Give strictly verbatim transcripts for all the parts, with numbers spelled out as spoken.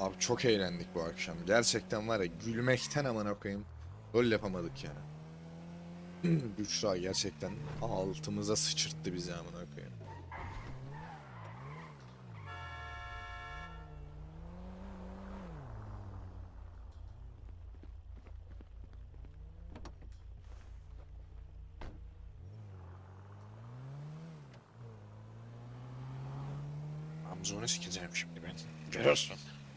Abi çok eğlendik bu akşam. Gerçekten var ya, gülmekten amına koyayım. Rol yapamadık yani. Büşra gerçekten altımıza sıçırttı bizi amına koyayım. Amzonu sikeceğim şimdi ben. Görüyorsun.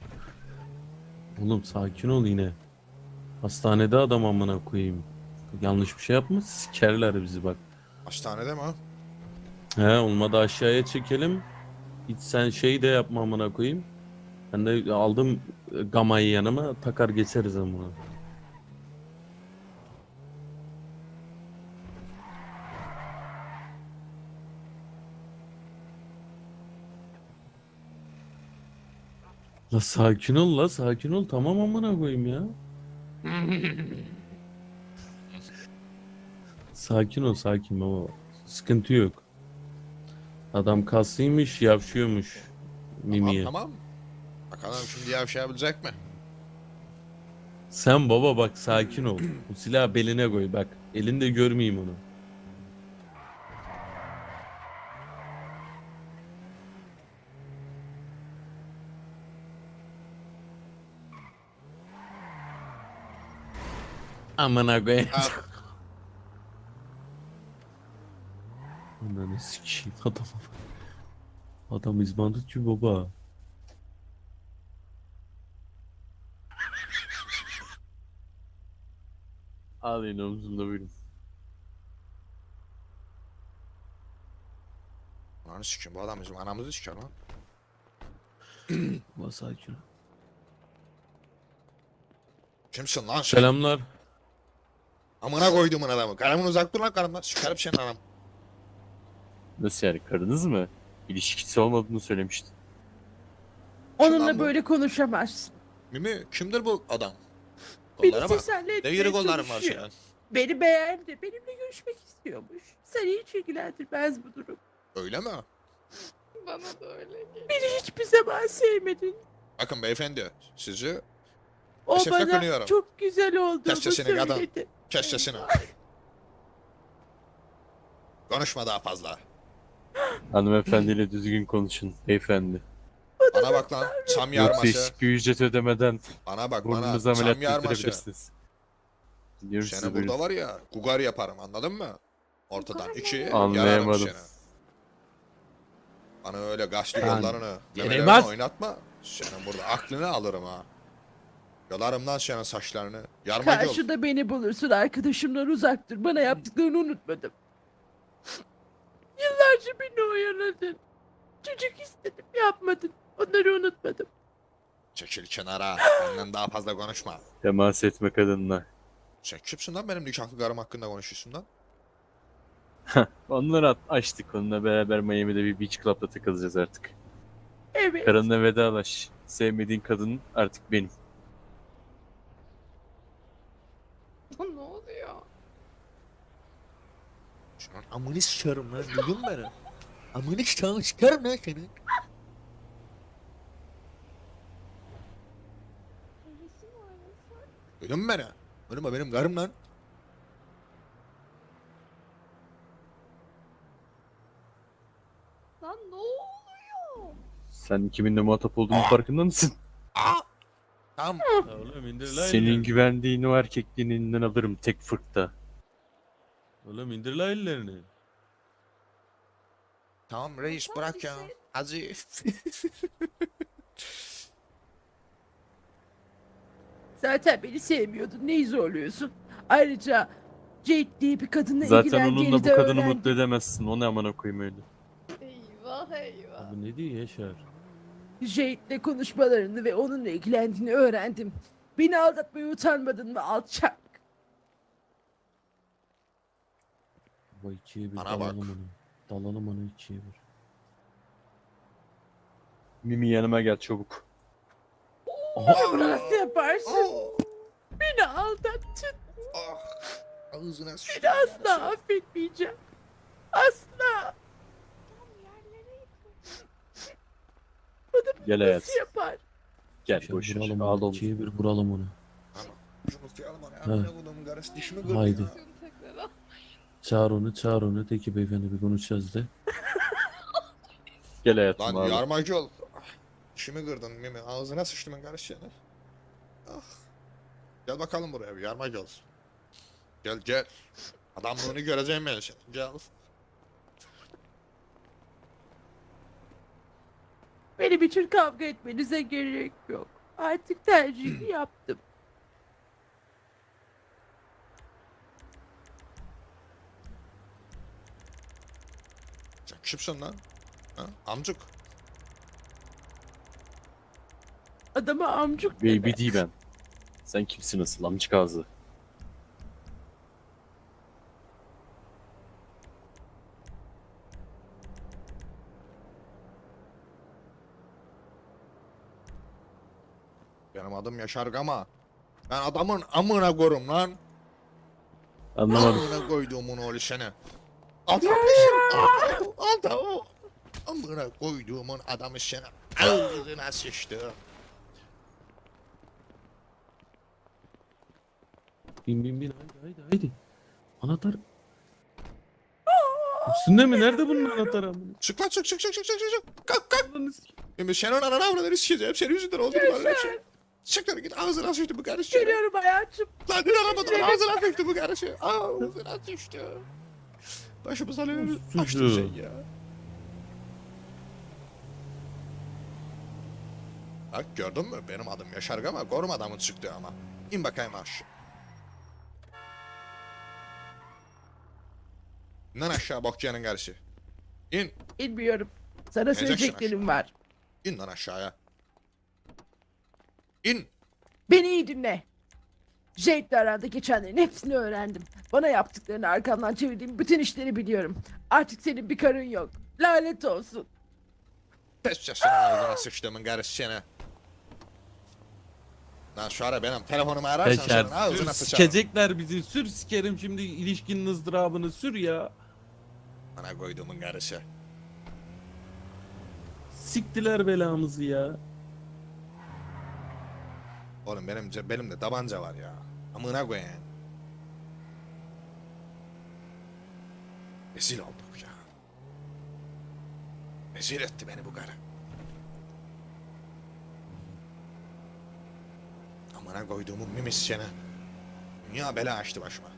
Oğlum sakin ol yine. Hastanede adam amına koyayım. Yanlış bir şey yapma sikerler bizi bak. Hastanede mi o? He olmadı aşağıya çekelim. Hiç sen şey de yapma amına koyayım. Ben de aldım e, gamayı yanıma takar geçeriz amına. La sakin ol la sakin ol tamam amına koyayım ya. Sakin ol sakin baba. Sıkıntı yok. Adam kaslıymış yavşıyormuş. Tamam Mimiye. tamam. Bakalım şimdi yavşayabilecek mi? Sen baba bak sakin ol. Bu silahı beline koy bak. Elinde görmeyeyim onu. Amına koyayım. Al. Ananı sikeyim adam. Adam izbandutçu baba. Ağlayın omzumda buyurun. Lan sikim, bu adam bizim anamızı siker lan. Baba sakin ol. Kimsin lan sen? Selamlar. Amına koyduğumun adamı. Karımın uzak dur lan karımdan. Sikerim senin anam. Nasıl yani karınız mı? İlişkisi olmadığını söylemiştin. Kim lan Onunla bu? böyle konuşamazsın. Mimi kimdir bu adam? Beni Kollara bak. teselli Ne etmeye yürü kollarım var çalışıyor. senin. Beni beğendi. Benimle görüşmek istiyormuş. Seni hiç ilgilendirmez bu durum. Öyle mi? Bana da öyle geliyor. Beni hiçbir zaman sevmedin. Bakın beyefendi, sizi O Teşekkür bana ediyorum. çok güzel olduğumu Kes sesini kadın. söyledi. kes sesini. Konuşma daha fazla. Hanımefendiyle düzgün konuşun beyefendi. Bana bak lan, çam Yoksa yarması. hiçbir ücret ödemeden Bana bak bana, burnunuzu çam ameliyat yarması. ettirebilirsiniz. Dinliyorum sizi Seni buyurun. burada var ya, gugar yaparım, anladın mı? Ortadan Gugar ikiye mı? yararım Anlayamadım. seni. Bana öyle gaçlı Ben- kollarını, Yere memelerini bas. oynatma. Senin burada aklını alırım ha. Yolarım lan senin saçlarını. Yarma yol. Karşıda beni bulursun, arkadaşımdan uzak dur. Bana yaptıklarını unutmadım. Yıllarca beni oyaladın. Çocuk istedim, yapmadın. Onları unutmadım. Çekil kenara. Benden daha fazla konuşma. Temas etme kadınla. Sen kimsin lan benim nikahlı karım hakkında konuşuyorsun lan? Onları at- açtık onunla beraber Miami'de bir beach club'da takılacağız artık. Evet. Karınla vedalaş. Sevmediğin kadın artık benim. Ne oluyor? Şu an amını sıçarım lan, duydun mu beni? Amını sıçarım, sıçarım lan seni. Öylesi mi öylesi? Duydun mu beni? Benim benim karım lan. Lan ne oluyor? Sen kiminle muhatap olduğunun farkında mısın? Aa! Tamam. Ya oğlum indir la Senin ellerini. güvendiğin o erkekliğin elinden alırım tek fırkta. Oğlum indir la ellerini. Tamam reis, bırak ya. Hadi. Zaten beni sevmiyordun. Neyi zorluyorsun? Ayrıca Jade diye bir kadınla Zaten ilgilendiğini onunla bu de kadını öğrendim. mutlu edemezsin. O ne amına koyayım öyle. Eyvah eyvah. Abi ne diyor Yaşar? Jade'le konuşmalarını ve onunla ilgilendiğini öğrendim. Beni aldatmaya utanmadın mı alçak? Baba ikiye bir Bana dalalım bak. onu. Dalalım onu ikiye bir. Mimi yanıma gel çabuk. Bunu nasıl yaparsın? Oh, Beni aldattın. ah. Ağzına Seni sıçayım. asla affetmeyeceğim. Asla. Tam yerlere yıkıldı. Bana bunu Gel hayat. nasıl yapar? Gel Şöyle boş ver. vuralım Al onu. oğlum. İkiye bir vuralım onu. Şunu kıyalım ona. Ha. Ne buldum karısı dişimi kırdı Haydi. ya. Şunu tekrar al. Çağır onu, çağır onu. De ki beyefendi bir konuşacağız de. Gel hayatım Lan ağla. yarmacı ol. Ah, dişimi kırdın Mimi. Ağzına sıçtımın karısı seni. Ah. Gel bakalım buraya bir yarmacı ol. Gel gel. Adamlığını göreceğim ben seni. Gel. Benim için kavga etmenize gerek yok. Artık tercihimi yaptım. Sen kimsin lan? Ha? Amcuk. Adama amcuk deme. Baby değil ben. Sen kimsin asıl amcık ağzı? Benim adım Yaşar Gama. Ben adamın amına korum lan. Anlamadım. Amına koyduğumun oğlu seni. Adammışım. Adam. Amına koyduğumun adamı seni. Ağzına sıçtı. Bin bin bin haydi haydi haydi. Anahtar. Üstünde mi? Nerede bunun anahtarı amına? Çık lan çık çık çık çık çık çık. Kalk kalk. Ananı sikeyim. Şimdi senin ananı avradını sikeceğim. Senin yüzünden oldu bu böyle şey. Çık lan git ağzına sıçtı bu karışı. Geliyorum hayatım. Lan dün aramadım ağzına sıçtı bu karışı. Ağzına sıçtı. Başımıza ne Suçu. açtın sen ya. Bak gördün mü? Benim adım Yaşar Gama. Korum adamın çıktı ama. İn bakayım aşağı. İnden aşağı Bokça'nın karışı. İn. Bilmiyorum. Sana Geleceksin söyleyeceklerim var. İn lan aşağıya. İn. Beni iyi dinle. Jade'le aranda geçenlerin hepsini öğrendim. Bana yaptıklarını arkamdan çevirdiğim bütün işleri biliyorum. Artık senin bir karın yok. Lanet olsun. Pes sesini ağzına sıçtığımın karışı seni. Lan şu ara benim telefonumu ararsan Beşer senin ağzına sür sıçarım. sikecekler bizi. Sür sikerim şimdi ilişkinin ızdırabını sür ya. Bana koyduğumun karışı. Siktiler belamızı ya. Oğlum benim ce- benim de tabanca var ya. Amına koyayım. Rezil olduk ya. Rezil etti beni bu karı. Amına koyduğumun mimis seni. Dünya bela açtı başıma.